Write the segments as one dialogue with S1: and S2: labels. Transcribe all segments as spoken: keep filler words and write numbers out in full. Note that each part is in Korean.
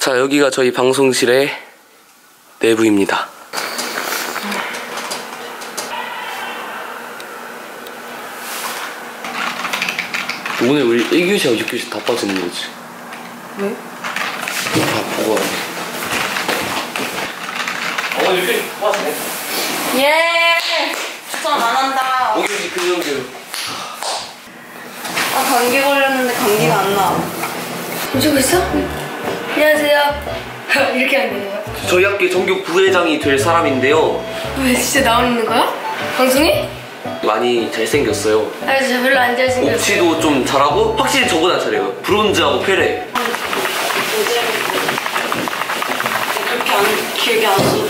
S1: 자, 여기가 저희 방송실의 내부입니다. 오늘 우리 일 교시하고 육 교시 다 빠지는 거지.
S2: 왜?
S1: 다 보고 와야 돼. 어, 육 교시 빠지네.
S2: 예! 추천 안 한다.
S1: 오 교시 금연교육.
S2: 아, 감기 걸렸는데 감기가 안 나.
S3: 보시고 있어? 응. 안녕하세요. 이렇게 하면 되는 거야?
S1: 저희 학교의 전교 부회장이 될 사람인데요.
S3: 왜 진짜 나오는 거야? 방송이?
S1: 많이 잘생겼어요.
S3: 아, 저 별로 안 잘생겼어요.
S1: 옵치도 좀 잘하고 확실히 저보다 잘해요. 브론즈하고 페레.
S2: 그렇게 안, 길게 안 써.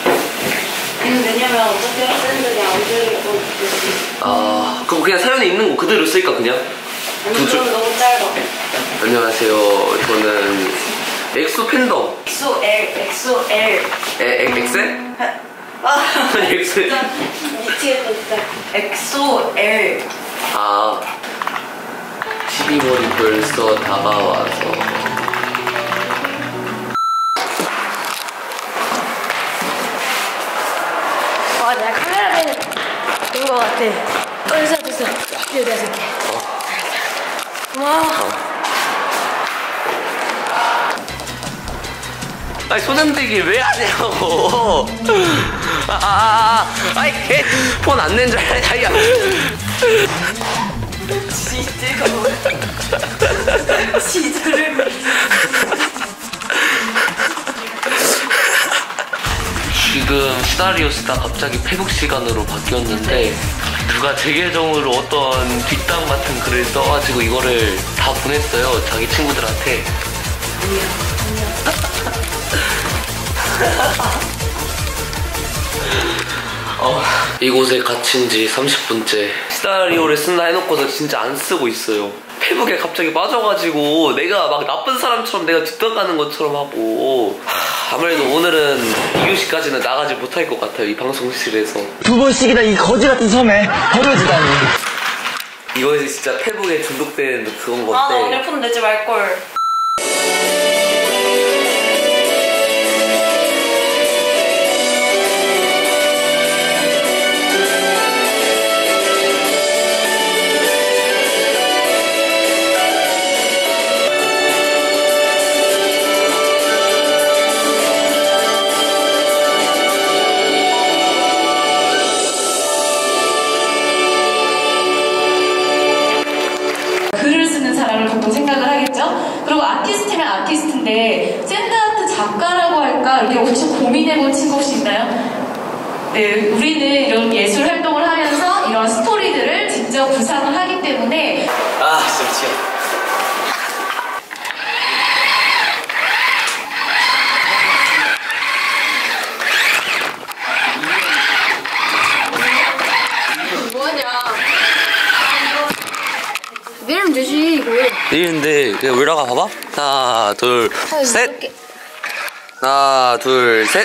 S2: 왜냐면 어차피 학생들이 안 들리고.
S1: 아, 그럼 그냥 사연에 있는 거 그대로 쓸까 그냥?
S2: 아니,
S1: 두 줄.
S2: 그럼 너무 짧아.
S1: 안녕하세요. 저는 엑소 팬덤.
S2: 엑소 L, 엑소 L.
S1: 에, 엑, 엑셀?
S2: 아,
S1: 엑셀?
S2: 진짜 미치겠다 진짜. 엑소 L.
S1: 아, 십이월이 벌써 다가와서.
S3: 와, 내가 카메라맨 된 거 같아. 어, 됐어, 됐어. 이거 내가 쓸게. 와.
S1: 아니, 손흔들기 왜 하냐고. 아, 아, 아, 아이, 걔, 폰 안 낸 줄 알아, 야.
S2: 지지가 뭐야? 지지를.
S1: 지금 시나리오 쓰다 갑자기 페북 시간으로 바뀌었는데 누가 제 계정으로 어떤 뒷담 같은 글을 써가지고 이거를 다 보냈어요. 자기 친구들한테. 어, 이곳에 갇힌 지 삼십 분째. 시나리오를 쓴다 해놓고서 진짜 안 쓰고 있어요. 페북에 갑자기 빠져가지고 내가 막 나쁜 사람처럼 내가 뒷담 가는 것처럼 하고. 하, 아무래도 오늘은 이 교시까지는 나가지 못할 것 같아요. 이 방송실에서
S4: 두 번씩이나 이 거지 같은 섬에 버려지다니.
S1: 이거에서 진짜 페북에 중독된 그건 건데.
S2: 아, 나 오늘 폰 내지 말걸.
S5: 생각을 하겠죠? 그리고 아티스트면 아티스트인데 샌드아트 작가라고 할까? 이렇게 혹시 고민해본 친구 혹시 있나요? 네, 우리는 이런 예술 활동을 하면서 이런 스토리들을 직접 구상을 하기 때문에
S1: 아, 진짜 미치겠다.
S3: 내리면 되지, 이거.
S1: 내리는데 그냥 올라가 봐봐. 하나, 둘,
S3: 아유,
S1: 셋.
S3: 이렇게.
S1: 하나, 둘, 셋.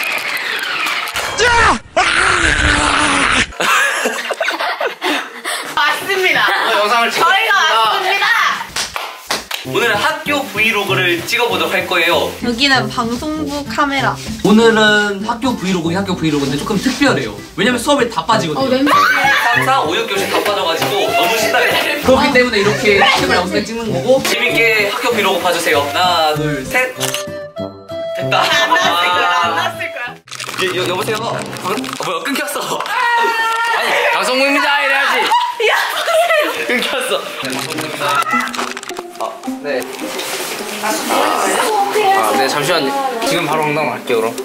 S2: 맞습니다.
S1: 영상을
S2: 저희가 왔습니다.
S1: 오늘은 학교 브이로그를 찍어보도록 할 거예요.
S2: 여기는 방송부 카메라.
S6: 오늘은 학교 브이로그긴 학교 브이로그인데 조금 특별해요. 왜냐면 수업에 다 빠지거든요.
S3: 어, 냄새.
S1: 삼, 사, 오, 육 교시 다 빠져가지고 너무 신나게.
S6: 그렇기 때문에 이렇게 캠을 영상에 찍는 거고.
S1: 재밌게 학교 브이로그 봐주세요. 하나, 둘, 셋. 됐다.
S2: 안 나왔을 거야. 안 나왔을 거야.
S1: 여, 여, 여보세요? 어, 뭐야, 끊겼어.
S6: 아니 방송국입니다 이래야지.
S2: 야,
S1: 끊겼어. 아, 네.
S6: 아, 네 잠시만요. 지금 바로 농담 할게요 그럼.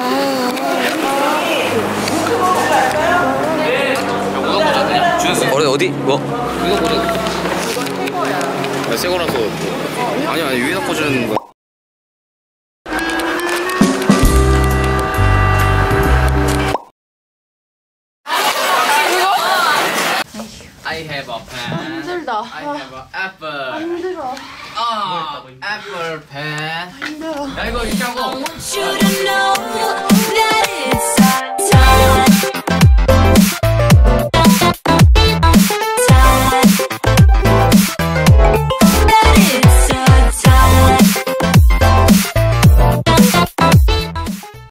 S6: 우동 보자 그냥 주셨어요.
S1: 어디 어디? 뭐?
S6: 우동 보자. 새 거라서. 아니 아니 위에다 꽂는 거. I have a pen.
S3: 힘들다.
S6: I have an apple.
S3: 힘들어.
S6: 아, 애플 펜.
S3: 힘들어.
S6: 야 이거 이렇게 하고.
S7: I want you to know